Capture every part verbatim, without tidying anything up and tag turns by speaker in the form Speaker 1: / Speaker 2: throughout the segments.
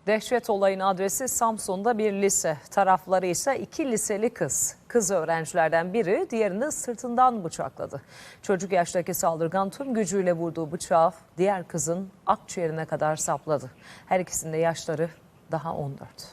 Speaker 1: Dehşet olayın adresi Samsun'da bir lise. Tarafları ise iki liseli kız. Kız öğrencilerden biri diğerini sırtından bıçakladı. Çocuk yaştaki saldırgan tüm gücüyle vurduğu bıçağı diğer kızın akciğerine kadar sapladı. Her ikisinin de yaşları daha on dört.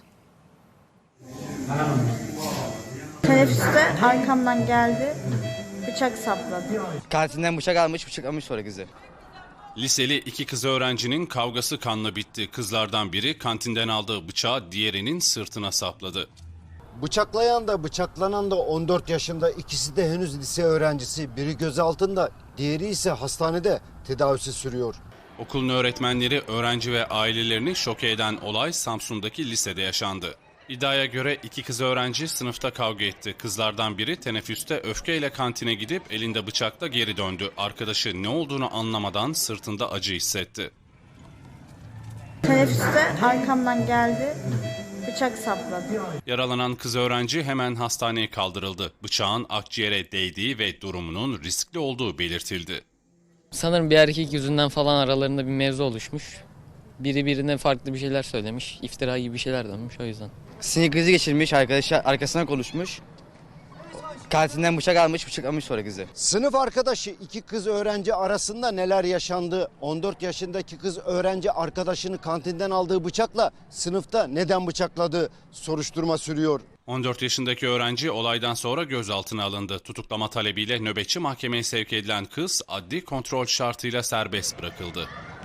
Speaker 2: Teneffüste arkamdan geldi, bıçak sapladı.
Speaker 3: Kantinden bıçak almış, bıçaklamış sonra kızı.
Speaker 4: Liseli iki kız öğrencinin kavgası kanla bitti. Kızlardan biri kantinden aldığı bıçağı diğerinin sırtına sapladı.
Speaker 5: Bıçaklayan da bıçaklanan da on dört yaşında, ikisi de henüz lise öğrencisi. Biri gözaltında, diğeri ise hastanede tedavisi sürüyor.
Speaker 4: Okulun öğretmenleri, öğrenci ve ailelerini şoke eden olay Samsun'daki lisede yaşandı. İddiaya göre iki kız öğrenci sınıfta kavga etti. Kızlardan biri teneffüste öfkeyle kantine gidip elinde bıçakla geri döndü. Arkadaşı ne olduğunu anlamadan sırtında acı hissetti.
Speaker 2: Teneffüste arkamdan geldi, bıçak sapladı.
Speaker 4: Yaralanan kız öğrenci hemen hastaneye kaldırıldı. Bıçağın akciğere değdiği ve durumunun riskli olduğu belirtildi.
Speaker 6: Sanırım bir erkek yüzünden falan aralarında bir mevzu oluşmuş. Biri birine farklı bir şeyler söylemiş. İftira gibi bir şeyler dönmüş o yüzden.
Speaker 3: Sinir krizi geçirmiş, arkadaşı arkasına konuşmuş. Kantinden bıçak almış, bıçaklamış sonra kızı.
Speaker 5: Sınıf arkadaşı iki kız öğrenci arasında neler yaşandı? on dört yaşındaki kız öğrenci arkadaşını kantinden aldığı bıçakla sınıfta neden bıçakladı? Soruşturma sürüyor.
Speaker 4: on dört yaşındaki öğrenci olaydan sonra gözaltına alındı. Tutuklama talebiyle nöbetçi mahkemeye sevk edilen kız adli kontrol şartıyla serbest bırakıldı.